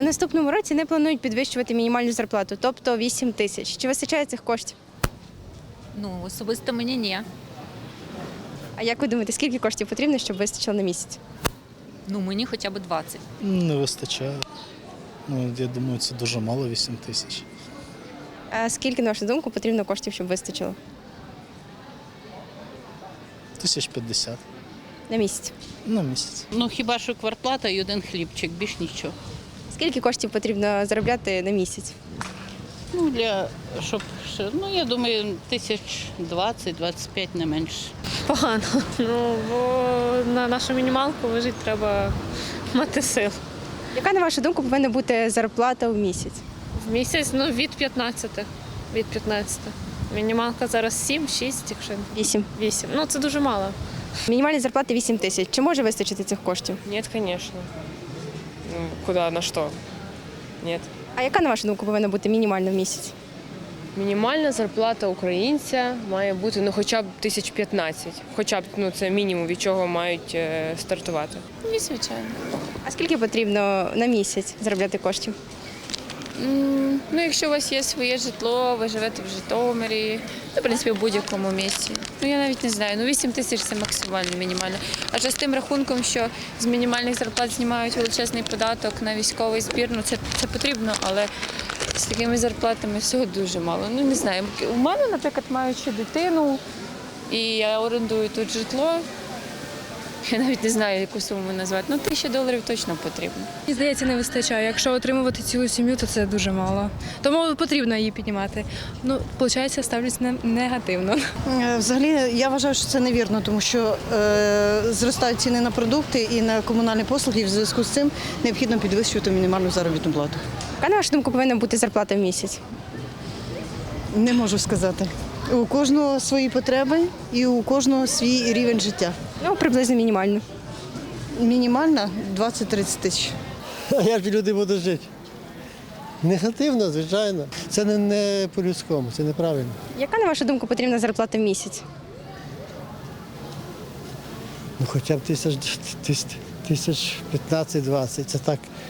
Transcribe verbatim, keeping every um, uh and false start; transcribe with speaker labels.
Speaker 1: наступному році не планують підвищувати мінімальну зарплату, тобто вісім тисяч. Чи вистачає цих коштів?
Speaker 2: Ну, особисто мені ні.
Speaker 1: А як ви думаєте, скільки коштів потрібно, щоб вистачило на місяць?
Speaker 2: Ну, мені хоча б двадцять.
Speaker 3: Не вистачає. Ну, я думаю, це дуже мало, вісім тисяч.
Speaker 1: А скільки, на вашу думку, потрібно коштів, щоб вистачило
Speaker 3: Тисяч п'ятдесят
Speaker 1: на місяць?
Speaker 3: на місяць.
Speaker 4: Ну хіба що квартплата і один хлібчик, більш нічого.
Speaker 1: Скільки коштів потрібно заробляти на місяць?
Speaker 4: Ну для щоб ще, ну я думаю, тисяч двадцять, двадцять п'ять не менше.
Speaker 5: Погано. Ну, бо на нашу мінімалку вижити треба мати сил.
Speaker 1: Яка, на вашу думку, повинна бути зарплата в місяць?
Speaker 5: В місяць ну, від п'ятнадцяти. Від п'ятнадцяти. Мінімалка зараз сім-шість, якщо
Speaker 1: Вісім.
Speaker 5: вісім. Ну це дуже мало.
Speaker 1: Мінімальна зарплата вісім тисяч. Чи може вистачити цих коштів?
Speaker 6: Нет, конечно. Ну, куда, на что? Нет.
Speaker 1: А яка, на вашу думку, повинна бути мінімальна в місяць?
Speaker 6: Мінімальна зарплата українця має бути ну, хоча б тисяч п'ятнадцять. Хоча б ну, це мінімум, від чого мають е, стартувати.
Speaker 7: Ні, звичайно.
Speaker 1: А скільки потрібно на місяць заробляти коштів?
Speaker 7: М, Ну, якщо у вас є своє житло, ви живете в Житомирі, ну, в принципі, в будь-якому місці. Ну, я навіть не знаю, ну вісім тисяч – це максимально мінімально. Адже з тим рахунком, що з мінімальних зарплат знімають величезний податок на військовий збір, ну це, це потрібно, але з такими зарплатами всього дуже мало. Ну, не знаю, у мене, наприклад, маючи дитину, і я орендую тут житло, я навіть не знаю, яку суму назвати, ну тисяча доларів точно потрібно.
Speaker 8: Мені здається, не вистачає. Якщо отримувати цілу сім'ю, то це дуже мало. Тому потрібно її піднімати. Ну, виходить, ставлюсь не- негативно.
Speaker 9: Е, Взагалі, я вважаю, що це невірно, тому що е, зростають ціни на продукти і на комунальні послуги, і в зв'язку з цим необхідно підвищувати мінімальну заробітну плату.
Speaker 1: Яка, на вашу думку, повинна бути зарплата в місяць?
Speaker 9: Не можу сказати. У кожного свої потреби і у кожного свій рівень життя.
Speaker 1: Ну, приблизно мінімально.
Speaker 9: Мінімальна двадцять-тридцять тисяч.
Speaker 10: А як же люди будуть жити? Негативно, звичайно. Це не, не по-людському, це неправильно.
Speaker 1: Яка, на вашу думку, потрібна зарплата в місяць?
Speaker 10: Ну хоча б тисяч, тисяч, тисяч п'ятнадцять-двадцять, це так